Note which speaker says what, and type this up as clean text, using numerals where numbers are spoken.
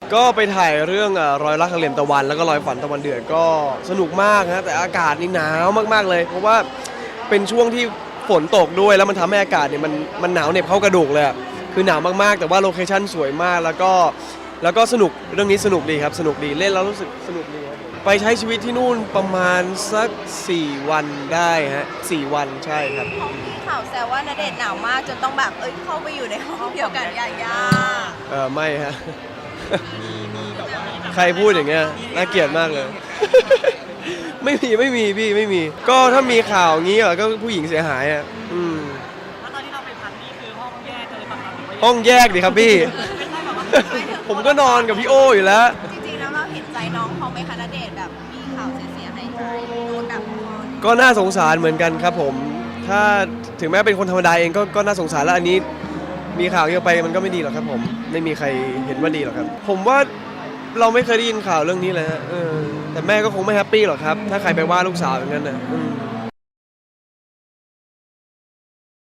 Speaker 1: ก็ไปถ่ายเรื่องรอยรักทางเหลี่ยมตะวันแล้วก็รอยฝันตะวันเดือดก็สนุกมากนะแต่อากาศนี่หนาวมากๆเลยเพราะว่าเป็นช่วงที่ฝนตกด้วยแล้วมันทำให้อากาศเนี่ยมันหนาวเหน็บเข้ากระดูกเลยคือหนาวมากๆแต่ว่าโลเคชั่นสวยมากแล้วก็สนุกเรื่องนี้สนุกดีครับสนุกดีเล่นแล้วรู้สึกสนุกดีครับไปใช้ชีวิตที่นู่นประมาณสัก4 วันได้ฮะ4 วันใช่ครับ
Speaker 2: ห้องที่ข่าวแซวว่าณเดชน์หนาวมากจนต้องแบบเข้าไปอยู่ในห้องเดียวกันยายา
Speaker 1: ไม่ฮะ ใครพูดอย่างเงี้ยน่าเกลียดมากเลย ไม่มีพี่ไม่มีก็ถ้ามีข่าวงี้ก็ผู้หญิงเสียหายอ่ะ
Speaker 3: แล้วตอนที่เราไปพักนี่คือห้องแยกเลยป่ะครับหรือว่า
Speaker 1: ห้องแยกดิครับพี่ ผมก็นอนกับพี่โออยู่แล้ว
Speaker 2: จริงๆแล้วเราเห็นใจน้องเขาไหมคะณเดชน์แบบมีข่าวเสียหายโดนแบบ
Speaker 1: ก็น่าสงสารเหมือนกันครับผมถ้าถึงแม้เป็นคนธรรมดาเองก็น่าสงสารแล้วอันนี้มีข่าวเยอะไปมันก็ไม่ดีหรอกครับผมไม่มีใครเห็นว่าดีหรอกครับผมว่าเราไม่เคยได้ยินข่าวเรื่องนี้เลยฮะแต่แม่ก็คงไม่แฮปปี้หรอกครับถ้าใครไปว่าลูกสาวอย่างนั้นนะ